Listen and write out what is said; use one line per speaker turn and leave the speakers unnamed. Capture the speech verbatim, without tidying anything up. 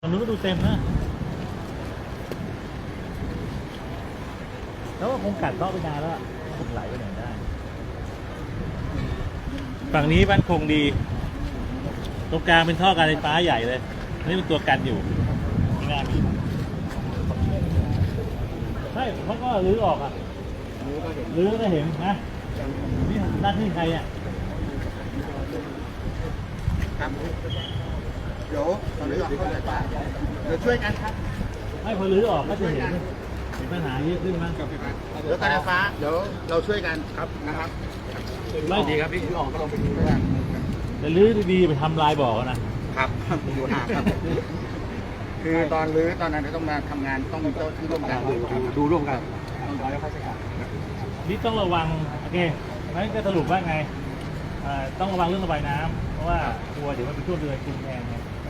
ตอนนู้นก็ดูเต็มนะแล้วก็คงกัดเซาะไปนานแล้วคงไหลไปไหนได้ฝั่งนี้บ้านคงดีตรงกลางเป็นท่อการไฟฟ้าใหญ่เลยนี่เป็นตัวกันอยู่ไม่น่ามีใช่เขาก็รื้อออกอ่ะรื้อก็เห็นนะนี่หน้าที่ใครอ่ะ
ครับเดี๋ยวตอนนี้เราเข้าใจป่ะเดี๋ยวช่วยกันครับ
ไม่พอรื้อออกก็จะเห็นเห็นปัญหาเยอะขึ้นมั้ง
เดี๋ยวการไฟฟ้าเดี๋ยวเราช่วยกันครับนะครับ
ไม่
ดีครับพี่รื้อออกก็ลองไปดูด้วยกัน
แต่รื้อดีๆไปทำลายบ่อนะครับ
อยู่ห่างครับคือตอนรื้อตอนนั้นต้องมาทำงานต้องมีโต๊ะที่ร่วมกันดูร่วมกันต้องร้อยค่าใช้จ่าย
นี่ต้องระวังโอเคงั้นจะสรุปว่าไงต้องระวังเรื่องระบายน้ำเพราะว่ากลัวเดี๋ยวมันเป็นช่วงเดือนกุมภาพันธ์